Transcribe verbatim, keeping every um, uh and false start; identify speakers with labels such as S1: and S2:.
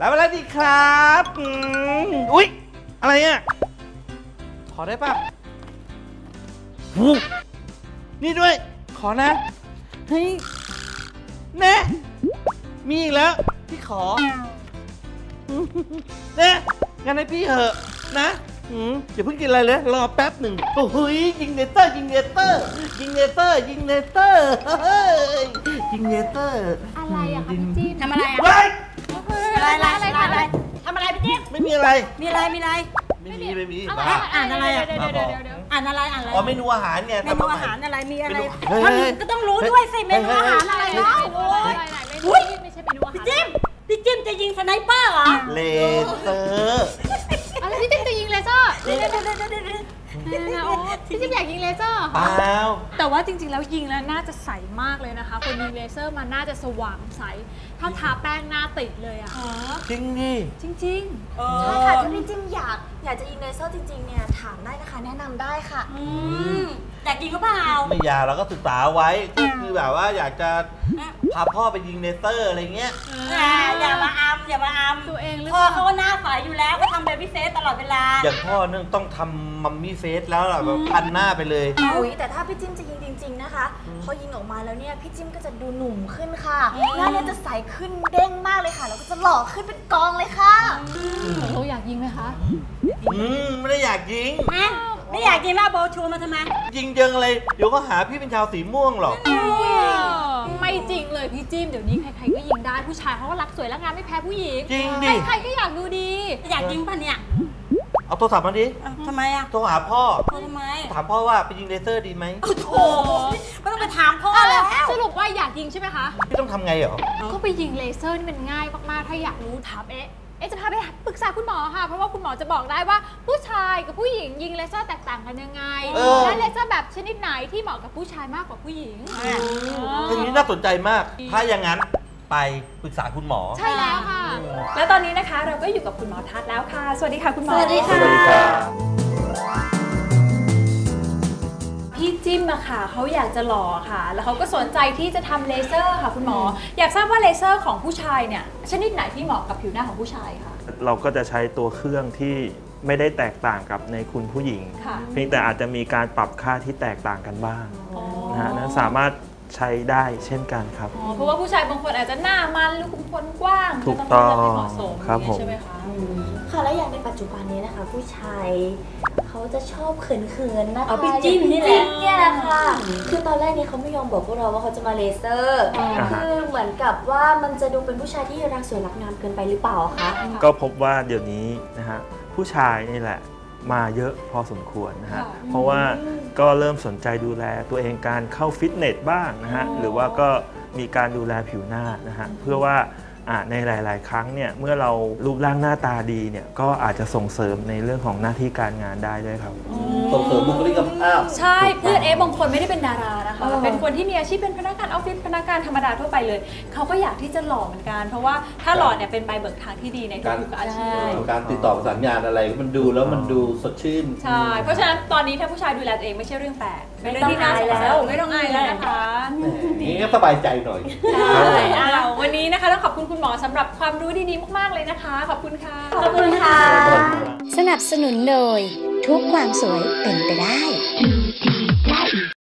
S1: รับอะไรดีครับอืมอุ๊ยอะไรเนี่ยขอได้ป่ะหูนี่ด้วยขอนะเฮ้ยแน่มีอีกแล้วพี่ขอแน่งั้นให้พี่เหอะนะอย่าเพิ่งกินอะไรเลยรอแป๊บหนึ่งโอ้ยยิงเนเตอร์ยิงเนเตอร์ยิงเนเตอร์ยิงเนเตอร์ยิงเนเตอร์
S2: อะไรอะคะพี่จิ๊บ
S3: ทำอะไรอะ
S2: อะไรอะไรอะไร
S3: ทำอะไรพี่จิ๊บ
S1: ไม่มีอะไร
S3: มีอะไรมีอะไร
S1: ไม่มีไม่มี
S3: อ่านอะไรอ่ะอ่านอะไรอ่านอะไร
S1: อ๋อเมนูอาหารไง
S3: เมนูอาหารอะไรมีอะไรก็ต้องรู้ด้วยสิเมนูอาหารอะไรเนาะโอ้ยไม่ใช่เมนูอาหารพี่จิ๊บพี่จิ๊บจะยิงสไนเปอร์เหรอ
S1: เลเซอร์
S2: อะไรพี่จิ๊บจะยิงเลเซอร์พี่จิ๊บอยากยิงเลเซอร์
S1: เปล่า
S2: แต่ว่าจริงๆแล้วยิงแล้วน่าจะใสมากเลยนะคะคนยิงเลเซอร์มันน่าจะสว่างใสถ้าทาแป้งหน้าติดเลยอะ
S1: จริงดิ
S2: จริงๆ
S4: ใช่ค่ะถ้าพี่จิ๊บอยากอยากจะยิงเลเซอร์จริงๆเนี่ยถามได้นะคะแนะนำได้ค่ะ
S3: อยากยิงก็เปล่า
S1: ไม่อยากเราก็ศึกษาไว้คือแบบว่าอยากจะพาพ่อไปยิงเลเซอร์อะไรเงี้ย
S3: อย่ามาอัมอย่ามาอัม
S2: ตัวเอง
S3: พ่อเขาหน้าใสอยู่แล้วก็ทำเบบี้เฟสตลอดเวลา
S1: อย่างพ่อเนี่ยต้องทำมัมมี่เฟสแล้วแบบพันหน้าไปเลย
S4: อุ้ยแต่ถ้าพี่จิ้มจะยิงจริงๆนะคะพอยิงออกมาแล้วเนี่ยพี่จิ้มก็จะดูหนุ่มขึ้นค่ะหน้าเนี่ยจะใสขึ้นเด้งมากเลยค่ะแล้วก็จะหล่อขึ้นเป็นกองเลยค่ะ
S2: เราอยากยิงไหมคะ
S1: อืมไม่ได้อยากยิง
S3: ไม่อยากยิงแล้วโบชูมาทำไม
S1: ยิงเยิงอะไรเดี๋ยวก็หาพี่เป็นชาวสีม่วงหรอก
S2: ไม่จริงเลยพี่จิ้มเดี๋ยวนี้ใครๆก็ยิงได้ผู้ชายเขาก็รักสวยรักงามไม่แพ้ผู้หญิง
S1: จริงดิ
S2: ใครๆก็อยากดูดี
S3: อยากยิงป่ะเนี่ย
S1: เอาโทรศัพท์มาดิ
S3: ทำไมอะ
S1: โทรหาพ่อ
S3: ทำไม
S1: ถามพ่อว่าไปยิงเลเซอร์ดีไหม
S3: โอ้โหไม่ต้องไปถามพ่อแล้ว
S2: สรุปว่าอยากยิงใช่ไหมคะ
S1: พี่ต้องทำไงเหรอ
S2: ก็ไปยิงเลเซอร์นี่มันง่ายมากๆถ้าอยากรู้ถามเอ๊ะเอ๊ะจะพาไปปรึกษาคุณหมอค่ะเพราะว่าคุณหมอจะบอกได้ว่าผู้ชายกับผู้หญิงยิงเลเซอร์แตกต่างกันยังไงและเลเซอร์แบบชนิดไหนที่เหมาะกับผู้ชายมากกว่าผู้หญิง
S1: อันนี้น่าสนใจมากถ้าอย่างนั้นไปปรึกษาคุณหมอ
S2: ใช่แล้วค่ะ
S5: และตอนนี้นะคะเราก็อยู่กับคุณหมอทัศน์แล้วค่ะสวัสดีค่ะคุณหมอ
S4: สวัสดีค่ะ
S5: พี่จิ้มอะค่ะเขาอยากจะหล่อค่ะแล้วเขาก็สนใจที่จะทำเลเซอร์ค่ะคุณหมออยากทราบว่าเลเซอร์ของผู้ชายเนี่ยชนิดไหนที่เหมาะกับผิวหน้าของผู้ชายคะ
S6: เราก็จะใช้ตัวเครื่องที่ไม่ได้แตกต่างกับในคุณผู้หญิงเพียงแต่อาจจะมีการปรับค่าที่แตกต่างกันบ้างนะฮะนั้นสามารถใช้ได้เช่นกันครับ
S2: เพราะว่าผู้ชายบางคนอาจจะหน้ามันหรือคุมขนกว้าง
S6: ถูกต้องครับผม
S2: ใช่ไหมคะ
S4: ค่ะแล้วอย่างในปัจจุบันนี้นะคะผู้ชายเขาจะชอบเขินๆนะคะ
S3: เอาไปจิ้มนี่แหละ
S4: เนี่ยแหละค่ะคือตอนแรกนี้เขาไม่ยอมบอกพวกเราว่าเขาจะมาเลเซอร์คือเหมือนกับว่ามันจะดูเป็นผู้ชายที่รักสวยรักงามเกินไปหรือเปล่าคะ
S6: ก็พบว่าเดี๋ยวนี้นะฮะผู้ชายนี่แหละมาเยอะพอสมควรนะฮะเพราะว่าก็เริ่มสนใจดูแลตัวเองการเข้าฟิตเนสบ้างนะฮะหรือว่าก็มีการดูแลผิวหน้านะฮะเพื่อว่าในหลายๆครั้งเนี่ยเมื่อเรารูปร่างหน้าตาดีเนี่ยก็อาจจะส่งเสริมในเรื่องของหน้าที่การงานได้ด้วยครับ
S1: ส่งเสริมบุคลิกภาพ
S2: ใช่เพื่อนเอบางคนไม่ได้เป็นดารานะคะเป็นคนที่มีอาชีพเป็นพนักงานออฟฟิศพนักงานธรรมดาทั่วไปเลยเขาก็อยากที่จะหล่อเหมือนกันเพราะว่าถ้าหล่อเนี่ยเป็นใบเบิกทางที่ดีในทุกๆอาชีพ
S1: การติดต่อประสานงานอะไรมันดูแล้วมันดูสดชื่น
S2: ใช่เพราะฉะนั้นตอนนี้ถ้าผู้ชายดูแลตัวเองไม่ใช่เรื่องแปลกเป็นเรื่องที่น่าสนใจไม่ต้องอายแล้วนะคะ
S1: นี่ก็สบายใจหน่อย
S2: ใช่วันนี้นะคะต้องขอบคุณคุณหมอสำหรับความรู้ดีๆมากๆเลยนะคะขอบคุณค่ะ
S4: ขอบคุณค่ะ
S7: สนับสนุนโดยทุกความสวยเป็นไปได้